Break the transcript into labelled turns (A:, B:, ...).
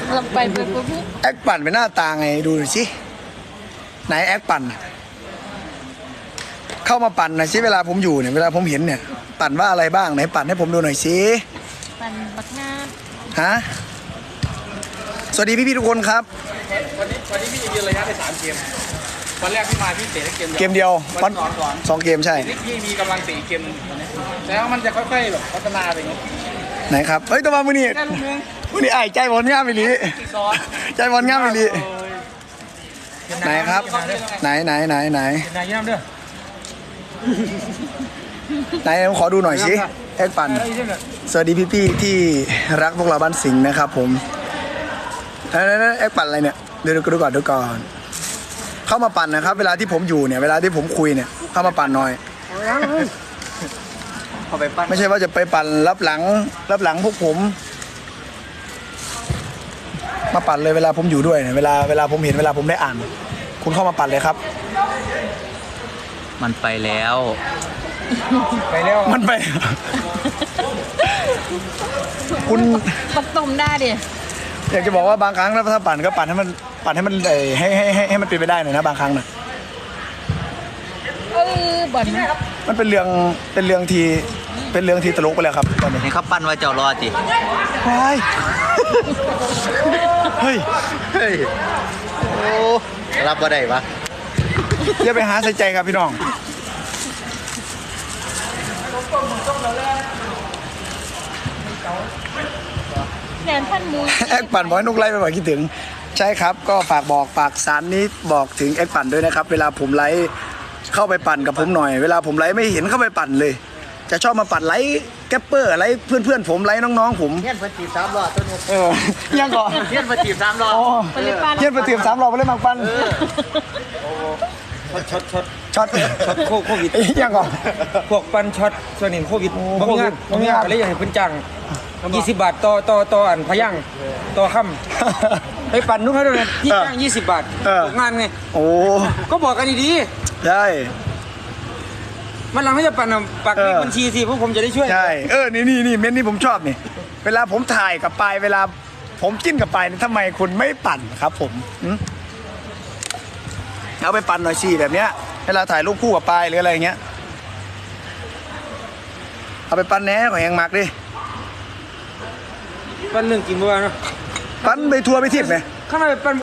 A: เราไปปุ๊บ
B: แอคปั่นเป็นหน้าตาไงดูหน่อยสิไหนแอคปั่นเข้ามาปั่นหน่อยสิเวลาผมอยู่เนี่ยเวลาผมเห็นเนี่ยปั่นว่าอะไรบ้างไหนปั่นให้ผมดูหน่อยสิ
A: ปั่นบักงา
B: ฮะสวัสดีพี่ๆทุกคนครับ
C: วันนี้พี่ยืนระยะได้3 เกมวันแรกพี่มาพี่เตะได้
B: เกมเดียว
C: วัน
B: สองเกมใช่
C: พี่มีกำลัง4 เกมแล้วมันจะค่อยๆแบบพัฒนาไปอย่างนี้
B: ไหนครับเฮ้ยตัวมามือนี่มือนี่ไอ้ใจบอลง่ามไปลีใจบอลง่ามไปลีไหนครับไหน
C: นายย่ำเด้อ
B: ไหนผมขอดูหน่อยสิแอคปั่นสวัสดีพี่ๆที่รักพวกเราบ้านสิงห์นะครับผมแอคปั่นอะไรเนี่ยดูก่อนเข้ามาปั่นนะครับเวลาที่ผมอยู่เนี่ยเวลาที่ผมคุยเนี่ยเข้ามาปั่นหน่อยไม่ใช่ว่าจะไปปั่นรับหลังพวกผมมาปั่นเลยเวลาผมอยู่ด้วยเนี่ยเวลาผมเห็นเวลาผมได้อ่านคุณเข้ามาปั่นเลยครับ
D: มันไปแล้ว
B: มันไปคุณ
A: ปัดตุ่มได้ดิ
B: อยากจะบอกว่าบางครั้งถ้าปั่นก็ปั่นให้มันให้มันเป็นไปได้หน่อยนะบางครั้งนะ
A: บ่อน
B: มันเป็นเรื่องที่ตลกไปแล้วครับตอนนี้
D: นี่เขาปั้นไว้เจ้ารอจิ
B: เฮ้ย
D: โอ้รับว่าได้ปะ
B: อย่าไปหาใส่ใจครับพี่น้อง
A: แนนท่านมู
B: แอคปั่นบอกให้นุกไล่ไปบอกคิดถึงใช่ครับก็ฝากสารนี้บอกถึงแอคปั่นด้วยนะครับเวลาผมไลฟ์เข้าไปปั่นกับผมหน่อยเวลาผมไลฟ์ไม่เห็นเข้าไปปั่นเลยจะชอบมาปั่นไลฟ์แกปเปอร์ไลฟ์เพื่อนผมไลฟ์น้องๆผม
D: เฮี้ยนปฏิบ3 รอบตัวนี้
B: ยังก่อน
D: เฮี้ยนปฏิบ3 รอบ
B: เฮี้ยนปฏิบ3 รอบไปเลยมังปันช็อต
C: โควิด
B: ยังก่อน
C: พวกปันช็อตส่วนหนึ่งโควิดบ่มีงานอะไรอย่างเพิ่นจัง20 บาทต่ออันพยังต่อค่ำไปปั่นนุ๊กให้ด้วยพี่จ้าง20 บาทงานไง
B: โอ้
C: ก็บอกกันดี
B: ๆใช่
C: มันหลังให้จะปั่นปักเลขบัญชีสิพวกผมจะได้ช่วย
B: ใช่นี่เม้นนี่ผมชอบนี่เวลาผมถ่ายกับปายเวลาผมกินกับปายทำไมคุณไม่ปั่นครับผมเอาไปปั่นหน่อยสิแบบเนี้ยเวลาถ่ายรูปคู่กับปายหรืออะไรอย่างเงี้ยเอาไปปั่นแหน่ของแหงมักดิ
C: ปั่นเรื่องกินเมื่อวานนะ
B: ปั่นไปทัวร์ไปทิพย์ไหม
C: ข้างในปั่น